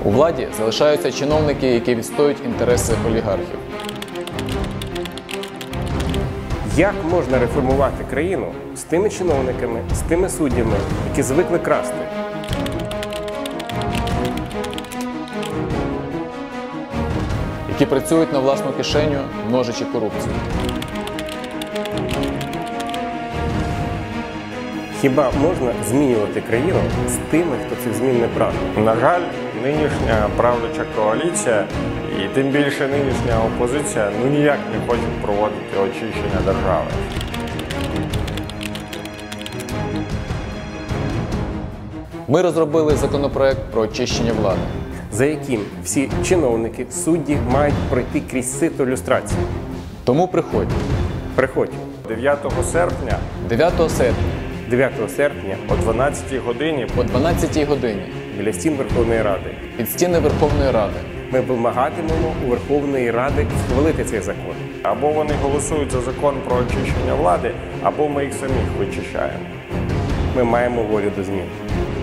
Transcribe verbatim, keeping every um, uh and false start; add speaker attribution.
Speaker 1: У владі залишаються чиновники, які відстоюють інтереси олігархів.
Speaker 2: Як можна реформувати країну з тими чиновниками, з тими суддями, які звикли красти?
Speaker 1: Які працюють на власну кишеню, множачи корупцію.
Speaker 2: Хіба можна змінювати країну з тими, хто цих змін не прагне?
Speaker 3: На жаль, нинішня правляча коаліція і тим більше нинішня опозиція ну ніяк не хочуть проводити очищення держави.
Speaker 1: Ми розробили законопроект про очищення влади,
Speaker 2: За яким всі чиновники, судді мають пройти крізь сито люстрації.
Speaker 1: тому приходь
Speaker 2: Приходь
Speaker 3: дев'ятого серпня
Speaker 1: дев'ятого серпня
Speaker 2: дев'ятого серпня
Speaker 3: о дванадцятій годині
Speaker 1: о дванадцятій годині
Speaker 2: біля стін Верховної Ради.
Speaker 1: під стіни Верховної Ради.
Speaker 2: Ми вимагатимемо у Верховної Ради схвалити цей закон.
Speaker 3: або вони голосують за закон про очищення влади, або ми їх самих вичищаємо.
Speaker 2: Ми маємо волю до змін.